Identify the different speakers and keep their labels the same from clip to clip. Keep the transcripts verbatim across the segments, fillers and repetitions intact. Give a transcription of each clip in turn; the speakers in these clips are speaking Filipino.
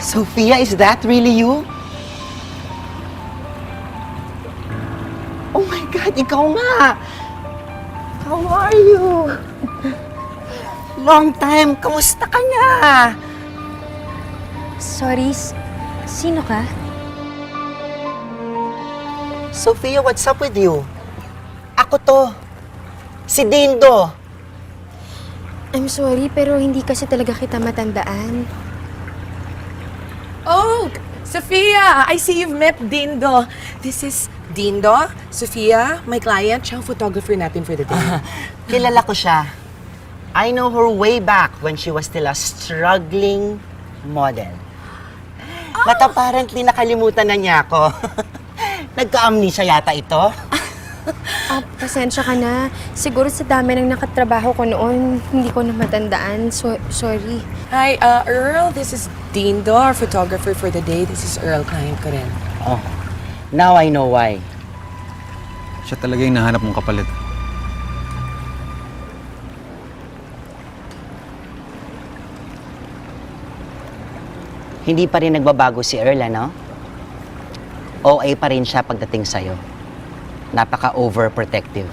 Speaker 1: Sophia, is that really you? Oh my God, ikaw nga! How are you? Long time, kamusta ka na?
Speaker 2: Sorry, s- sino ka?
Speaker 1: Sophia, what's up with you? Ako to. Si Dindo.
Speaker 2: I'm sorry, pero hindi kasi talaga kita matandaan.
Speaker 3: Oh, Sophia! I see you've met Dindo. This is Dindo, Sophia, my client. Siya ang photographer natin for the day.
Speaker 1: Kilala ko siya. I know her way back when she was still a struggling model. But apparently, nakalimutan na niya ako. Nagka-amnesia yata ito.
Speaker 2: Ah, pasensya ka na. Siguro sa dami ng nakatrabaho ko noon, hindi ko na matandaan. So, sorry.
Speaker 3: Hi, uh, Earl. This is Dindo, our photographer for the day. This is Earl, client ko rin.
Speaker 1: Oh, now I know why.
Speaker 4: Siya talaga yung nahanap mong kapalit.
Speaker 1: Hindi pa rin nagbabago si Earl, ano? O A pa rin siya pagdating sa'yo. Napaka-overprotective.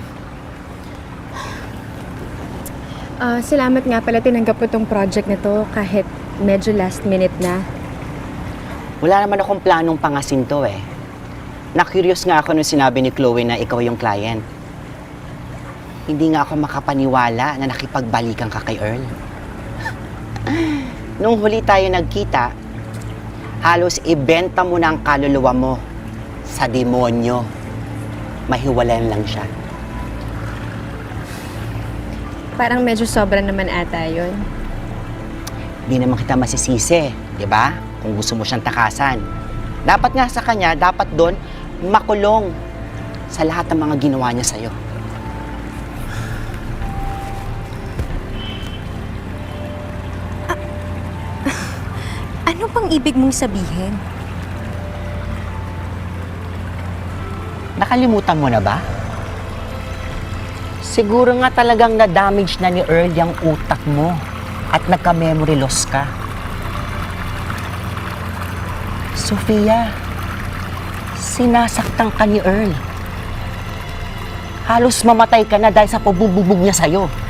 Speaker 2: Ah, salamat nga pala tinanggap ko tong project na to kahit medyo last minute na.
Speaker 1: Wala naman akong planong pangasin to eh. Na-curious nga ako nung sinabi ni Chloe na ikaw yung client. Hindi nga ako makapaniwala na nakipagbalikan ka kay Earl. Nung huli tayo nagkita, halos ibenta mo na ang kaluluwa mo sa demonyo. Mahiwalayan lang siya.
Speaker 2: Parang medyo sobra naman ata yun.
Speaker 1: Hindi naman kita masisisi, di ba? Kung gusto mo siyang takasan. Dapat nga sa kanya, dapat doon makulong sa lahat ng mga ginawa niya sa'yo.
Speaker 2: Ano pang ibig mong sabihin?
Speaker 1: Nakalimutan mo na ba? Siguro nga talagang na-damage na ni Earl yung utak mo at nagka-memory loss ka. Sofia, sinasaktan ka ni Earl. Halos mamatay ka na dahil sa pabububog niya sa'yo.